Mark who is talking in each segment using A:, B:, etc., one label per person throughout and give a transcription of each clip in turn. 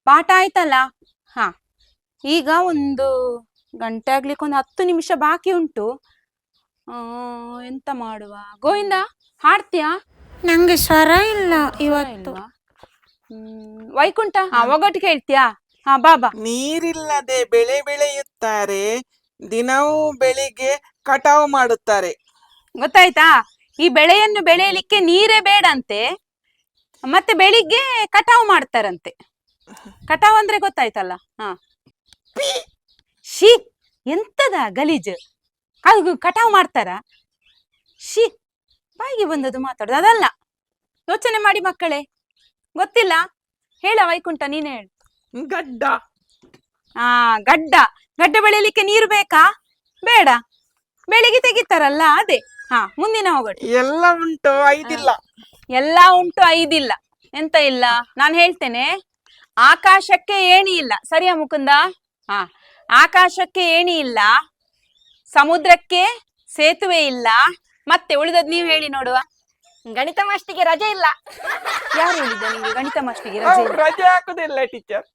A: ಪಾಠ ಆಯ್ತಲ್ಲ. ಹಾ, ಈಗ ಒಂದು ಗಂಟೆ ಆಗ್ಲಿಕ್ಕೆ ಒಂದು 10 ನಿಮಿಷ ಬಾಕಿ ಉಂಟು. ಎಂತ ಮಾಡುವ? ಗೋವಿಂದ, ಹಾಡ್ತೀಯಾ?
B: ನಂಗೆ ಸ್ವರ ಇಲ್ಲ ಇವತ್ತು.
A: ಇಲ್ವಾ? ವೈಕುಂಠ, ಒಗಟಿಗೆ ಹೇಳ್ತೀಯಾ? ಹಾ, ಬಾಬಾ.
C: ನೀರಿಲ್ಲದೆ ಬೆಳೆ ಬೆಳೆಯುತ್ತಾರೆ, ದಿನವೂ ಬೆಳಿಗ್ಗೆ ಕಟಾವು ಮಾಡುತ್ತಾರೆ.
A: ಗೊತ್ತಾಯ್ತಾ? ಈ ಬೆಳೆಯನ್ನು ಬೆಳೆಯಲಿಕ್ಕೆ ನೀರೇ ಬೇಡಂತೆ, ಮತ್ತೆ ಬೆಳಿಗ್ಗೆ ಕಟಾವು ಮಾಡ್ತಾರಂತೆ. ಕಟಾವು ಅಂದ್ರೆ ಗೊತ್ತಾಯ್ತಲ್ಲ? ಹಾ. ಶೀ, ಎಂತದ ಗಲೀಜು! ಅದು ಕಟಾವು ಮಾಡ್ತಾರ? ಶೀ, ಬಾಯಿಗೆ ಬಂದದ್ದು ಮಾತಾಡುದು ಅದಲ್ಲ. ಯೋಚನೆ ಮಾಡಿ ಮಕ್ಕಳೇ, ಗೊತ್ತಿಲ್ಲ? ಹೇಳ ವೈಕುಂಠ, ನೀನೇ ಹೇಳು.
C: ಗಡ್ಡ.
A: ಗಡ್ಡ. ಗಡ್ಡ ಬೆಳೆಯಲಿಕ್ಕೆ ನೀರು ಬೇಕಾ? ಬೇಡ, ಬೆಳಿಗ್ಗೆ ತೆಗಿತಾರಲ್ಲ ಅದೇ. ಹಾ, ಮುಂದಿನ ಹೋಗೋಣ.
C: ಎಲ್ಲ ಉಂಟು, ಐದಿಲ್ಲ.
A: ಎಲ್ಲ ಉಂಟು, ಐದಿಲ್ಲ. ಎಂತ ಇಲ್ಲ? ನಾನು ಹೇಳ್ತೇನೆ. ಆಕಾಶಕ್ಕೆ ಏಣಿ ಇಲ್ಲ, ಸರಿಯಾ ಮುಕುಂದ? ಹಾ, ಆಕಾಶಕ್ಕೆ ಏಣಿ ಇಲ್ಲ, ಸಮುದ್ರಕ್ಕೆ ಸೇತುವೆ ಇಲ್ಲ, ಮತ್ತೆ ಉಳಿದದ್ ನೀವು ಹೇಳಿ ನೋಡುವ.
B: ಗಣಿತ ಮಾಸ್ಟಿಗೆ ರಜೆ ಇಲ್ಲ.
A: ಯಾರು ಹೇಳಿದ್ದ ನಿಮ್ಗೆ ಗಣಿತ ಮಾಸ್ಟಿಗೆ ರಜೆ ಇಲ್ಲ?
C: ರಜೆ ಹಾಕುದಿಲ್ಲ ಟೀಚರ್.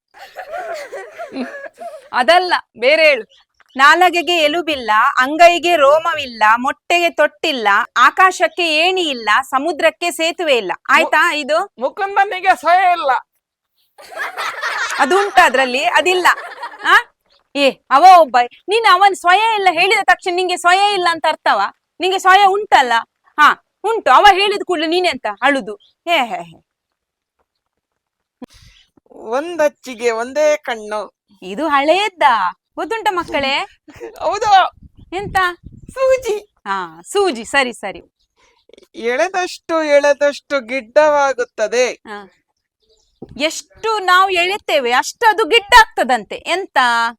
A: ಅದಲ್ಲ, ಬೇರೆ ಹೇಳು. ನಾಲಗೆಗೆ ಎಲುಬಿಲ್ಲ, ಅಂಗೈಗೆ ರೋಮವಿಲ್ಲ, ಮೊಟ್ಟೆಗೆ ತೊಟ್ಟಿಲ್ಲ, ಆಕಾಶಕ್ಕೆ ಏಣಿ ಇಲ್ಲ, ಸಮುದ್ರಕ್ಕೆ ಸೇತುವೆ ಇಲ್ಲ. ಆಯ್ತಾ? ಇದು
C: ಮುಕುಂದನಿಗೆ ಸಹ ಇಲ್ಲ.
A: ಅದು ಉಂಟ ಅದ್ರಲ್ಲಿ? ಅದಿಲ್ಲ. ಆ ಅವ ಒಬ್ಬ. ನೀನ್ ಅವನ್ ಸ್ವಯ ಇಲ್ಲ ಹೇಳಿದ ತಕ್ಷಣ ನಿಂಗೆ ಸ್ವಯ ಇಲ್ಲ ಅಂತ ಅರ್ಥವ? ನಿಂಗೆ ಸ್ವಯ ಉಂಟಲ್ಲ? ಹಾ, ಉಂಟು. ಅವ ಹೇಳಿದ ಕೂಡಲೇ ನೀನೆಂತ ಅಳುದು? ಹೇ ಹೇ ಹೇ.
C: ಒಂದಚ್ಚಿಗೆ ಒಂದೇ ಕಣ್ಣು.
A: ಇದು ಹಳೆಯದ್ದ, ಗೊತ್ತುಂಟ ಮಕ್ಕಳೇ?
C: ಹೌದು.
A: ಎಂತ?
C: ಸೂಜಿ.
A: ಹಾ, ಸೂಜಿ. ಸರಿ ಸರಿ.
C: ಎಳೆದಷ್ಟು ಎಳೆದಷ್ಟು ಗಿಡ್ಡವಾಗುತ್ತದೆ.
A: ಎಷ್ಟು ನಾವು ಎಳೆತೇವೆ ಅಷ್ಟು ಅದು ಗಿಡ್ಡ ಆಗ್ತದಂತೆ. ಎಂತ?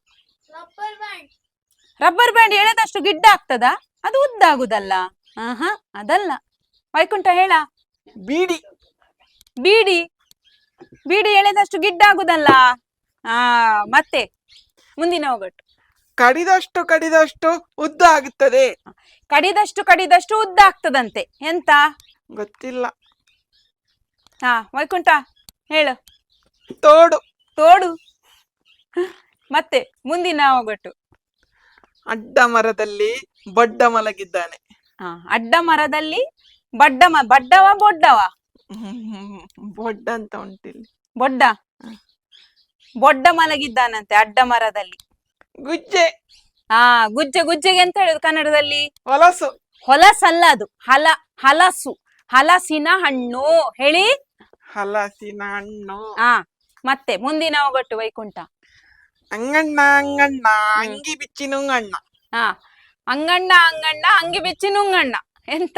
A: ರಬ್ಬರ್ ಬ್ಯಾಂಡ್ ಎಳೆದಷ್ಟು ಗಿಡ್ಡ ಆಗ್ತದ? ಅದು ಉದ್ದ ಆಗುದಲ್ಲ. ಅದಲ್ಲ. ವೈಕುಂಠ ಹೇಳ.
C: ಬೀಡಿ.
A: ಬೀಡಿ. ಬೀಡಿ ಎಳೆದಷ್ಟು ಗಿಡ್ಡ ಆಗುದಲ್ಲ. ಮತ್ತೆ ಮುಂದಿನ ಒಗಟು.
C: ಕಡಿದಷ್ಟು ಕಡಿದಷ್ಟು ಉದ್ದ ಆಗುತ್ತದೆ.
A: ಕಡಿದಷ್ಟು ಕಡಿದಷ್ಟು ಉದ್ದ ಆಗ್ತದಂತೆ. ಎಂತ?
C: ಗೊತ್ತಿಲ್ಲ.
A: ವೈಕುಂಠ ಹೇಳು.
C: ತೋಡು.
A: ತೋಡು. ಮತ್ತೆ ಮುಂದಿನ ಒಗಟು.
C: ಅಡ್ಡ ಮರದಲ್ಲಿ ಬಡ್ಡ ಮಲಗಿದ್ದಾನೆ.
A: ಅಡ್ಡ ಮರದಲ್ಲಿ ಬಡ್ಡವ ಬೊಡ್ಡವ?
C: ಬೊಡ್ಡ ಅಂತ ಉಂಟಿಲ್ಲಿ.
A: ಬೊಡ್ಡ. ಬೊಡ್ಡ ಮಲಗಿದ್ದಾನಂತೆ ಅಡ್ಡ ಮರದಲ್ಲಿ.
C: ಗುಜ್ಜೆ.
A: ಗುಜ್ಜೆ. ಗುಜ್ಜೆಗೆ ಎಂತ ಹೇಳುದು ಕನ್ನಡದಲ್ಲಿ?
C: ಹೊಲಸು.
A: ಹೊಲಸಲ್ಲ, ಅದು ಹಲಸು. ಹಲಸಿನ ಹಣ್ಣು ಹೇಳಿ.
C: ಹಲಸಿನ ಹಣ್ಣು.
A: ಮತ್ತೆ ಮುಂದಿನ ಒಗಟು ವೈಕುಂಠ.
C: ಅಂಗಣ್ಣ ಅಂಗಣ್ಣ ಅಂಗಿ ಬಿಚ್ಚಿ ನುಂಗಣ್ಣ.
A: ಅಂಗಣ್ಣ ಅಂಗಣ್ಣ ಅಂಗಿ ಬಿಚ್ಚಿ ನುಂಗಣ್ಣ. ಎಂತ?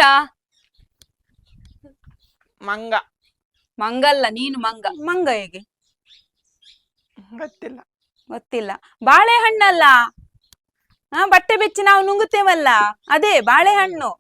C: ಮಂಗ.
A: ಮಂಗಲ್ಲ, ನೀನು ಮಂಗ. ಮಂಗ ಹೇಗೆ?
C: ಗೊತ್ತಿಲ್ಲ.
A: ಗೊತ್ತಿಲ್ಲ. ಬಾಳೆಹಣ್ಣಲ್ಲ. ಬಟ್ಟೆ ಬೆಚ್ಚಿ ನಾವು ನುಂಗುತ್ತೇವಲ್ಲ, ಅದೇ ಬಾಳೆಹಣ್ಣು.